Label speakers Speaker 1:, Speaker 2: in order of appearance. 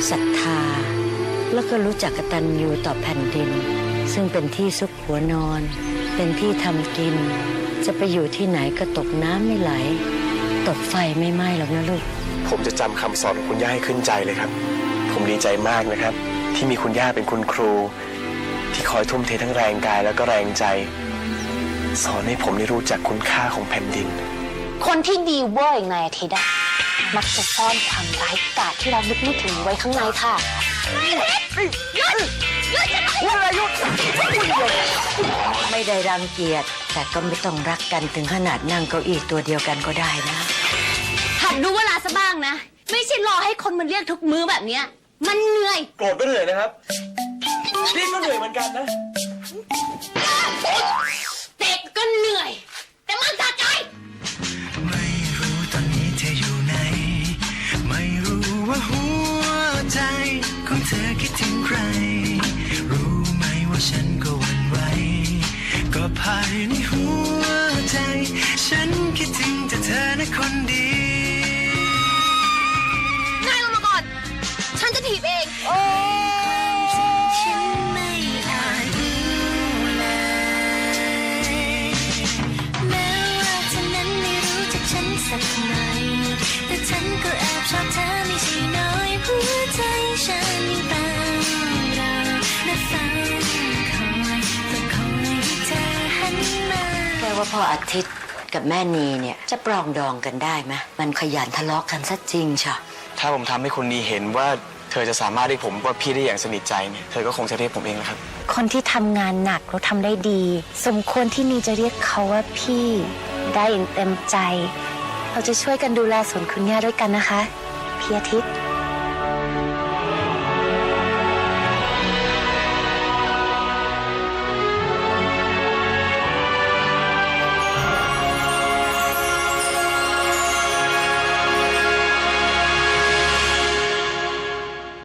Speaker 1: ศรัทธาแล้วก็รู้จักกตัญญูต่อแผ่นดินซึ่งเป็นที่ซุกหัวนอนเป็นที่ทำกินจะไปอยู่ที่ไหนก็ตกน้ำไม่ไหลตกไฟไม่ไหม้หรอกนะลูก
Speaker 2: ผมจะจำคำสอนของคุณย่าให้ขึ้นใจเลยครับผมดีใจมากนะครับที่มีคุณย่าเป็นคุณครูที่คอยทุ่มเททั้งแรงกายแล้วก็แรงใจสอนให้ผมได้รู้จักคุณค่าของแผ่นดิน
Speaker 3: คนที่ดีเวอร์อย่างนายอาทิตย์อะมักจะซ่อนความร้ายกาจที่เราลึกไม่ถึงไว้ข้างในค่ะ
Speaker 1: ไม่ได้รังเกียจแต่ก็ไม่ต้องรักกันถึงขนาดนั่งเก้าอี้ตัวเดียวกันก็ได้นะ
Speaker 3: หัดรู้เวลาซะบ้างนะไม่ใช่รอให้คนมันเรียกทุกมื้อแบบเนี้ยมันเหนื่อย
Speaker 2: โกรธก็เหนื่อยนะครับนี่ก็เหนื่อยเหมือนกันนะ
Speaker 3: เด็กก็เหนื่อยแต่มันสะใจ
Speaker 4: ไม่รู้ตอนนี้เธออยู่ไหนไม่รู้ว่าหัวใจของเธอคิดถึงใครรู้ไหมว่าฉันก็หวั่นไหวก็ภายในหัวใจฉันคิดถึงแต่เธอนะคนดี
Speaker 3: นายลงมาก่อนฉันจะถีบเอง
Speaker 4: ฉันไม่อาจรู้เลยแม้ว่าเธอนั้นไม่รู้จักฉันสักหน่อยแต่ฉันก็แอบชอบเธอไม่ใช่น้อยหัวใจฉันยังเฝ้ารอและเฝ้าคอยและคอยให้เธอหันมา
Speaker 1: แปลว่าพ่ออาทิตย์กับแม่นีเนี่ยจะปรองดองกันได้ไหมมันขยันทะเลาะกันซะจริงเชียว
Speaker 2: ถ้าผมทำให้คุณนีเห็นว่าเธอจะสามารถเรียกผมว่าพี่ได้อย่างสนิทใจเนี่ยเธอก็คงจะเรียกผมเองนะครับ
Speaker 3: คนที่ทำงานหนักแล้วทำได้ดีสมควรที่นีจะเรียกเขาว่าพี่ได้อย่างเต็มใจเราจะช่วยกันดูแลสวนคุณย่าด้วยกันนะคะพี่อาทิตย์